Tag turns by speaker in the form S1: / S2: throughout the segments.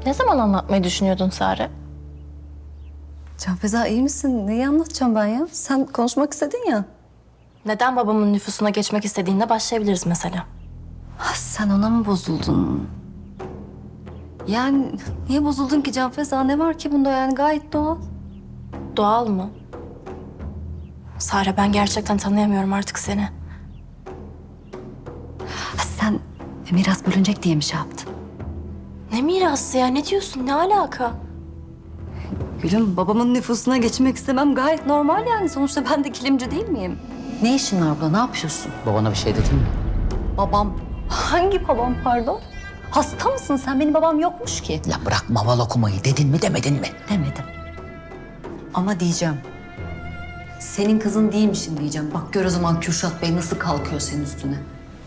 S1: Ne zaman anlatmayı düşünüyordun Sare?
S2: Canfeza iyi misin? Neyi anlatacağım ben ya? Sen konuşmak istedin ya.
S1: Neden babamın nüfusuna geçmek istediğinde başlayabiliriz mesela.
S2: Sen ona mı bozuldun? Yani niye bozuldun ki Canfeza? Ne var ki bunda yani gayet doğal.
S1: Doğal mı? Sare, ben gerçekten tanıyamıyorum artık seni.
S2: Sen miras bölünecek diye mi şey yaptın?
S1: Ne mirası ya? Ne diyorsun? Ne alaka?
S2: Gülüm babamın nüfusuna geçmek istemem gayet normal yani. Sonuçta ben de kilimci değil miyim? Ne işin var burada? Ne yapıyorsun?
S3: Babana bir şey dedin mi?
S2: Babam. Hangi babam pardon? Hasta mısın sen? Benim babam yokmuş ki.
S3: Ya bırak maval okumayı, dedin mi demedin mi?
S2: Demedim. Ama diyeceğim. Senin kızın değilmişim diyeceğim. Bak gör o zaman Kürşat Bey nasıl kalkıyor senin üstüne.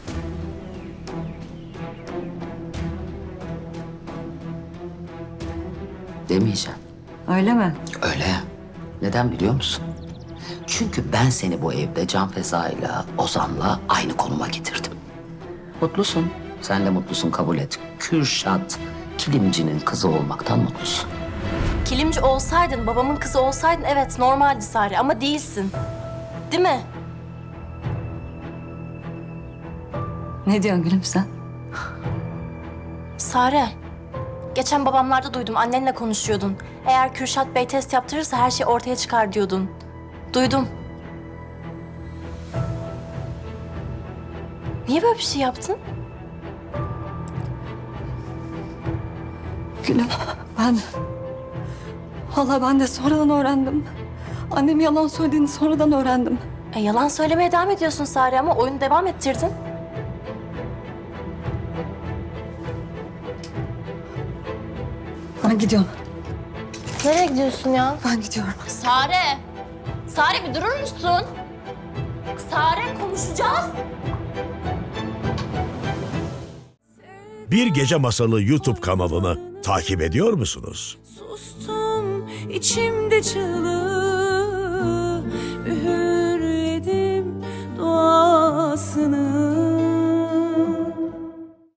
S3: Demeyeceğim.
S2: Öyle mi?
S3: Öyle. Neden biliyor musun? Çünkü ben seni bu evde Can Feza'yla, Ozan'la aynı konuma getirdim. Mutlusun. Sen de mutlusun, kabul et. Kürşat, kilimcinin kızı olmaktan mutlusun.
S1: Kilimci olsaydın, babamın kızı olsaydın evet normaldi Sare ama değilsin. Değil mi?
S2: Ne diyorsun gülüm sen?
S1: Sare, geçen babamlarda duydum, annenle konuşuyordun. Eğer Kürşat Bey test yaptırırsa her şey ortaya çıkar diyordun. Duydum. Niye böyle bir şey yaptın?
S2: Gülüm ben... Vallahi ben de sonradan öğrendim. Annem yalan söylediğini sonradan öğrendim.
S1: Yalan söylemeye devam ediyorsun Sare ama oyunu devam ettirdin.
S2: Ben gidiyorum.
S1: Nereye gidiyorsun ya?
S2: Ben gidiyorum.
S1: Sare! Sare bir durur musun? Sare konuşacağız.
S4: Bir Gece Masalı YouTube kanalını takip ediyor musunuz?
S5: Sustum içimde çığlık.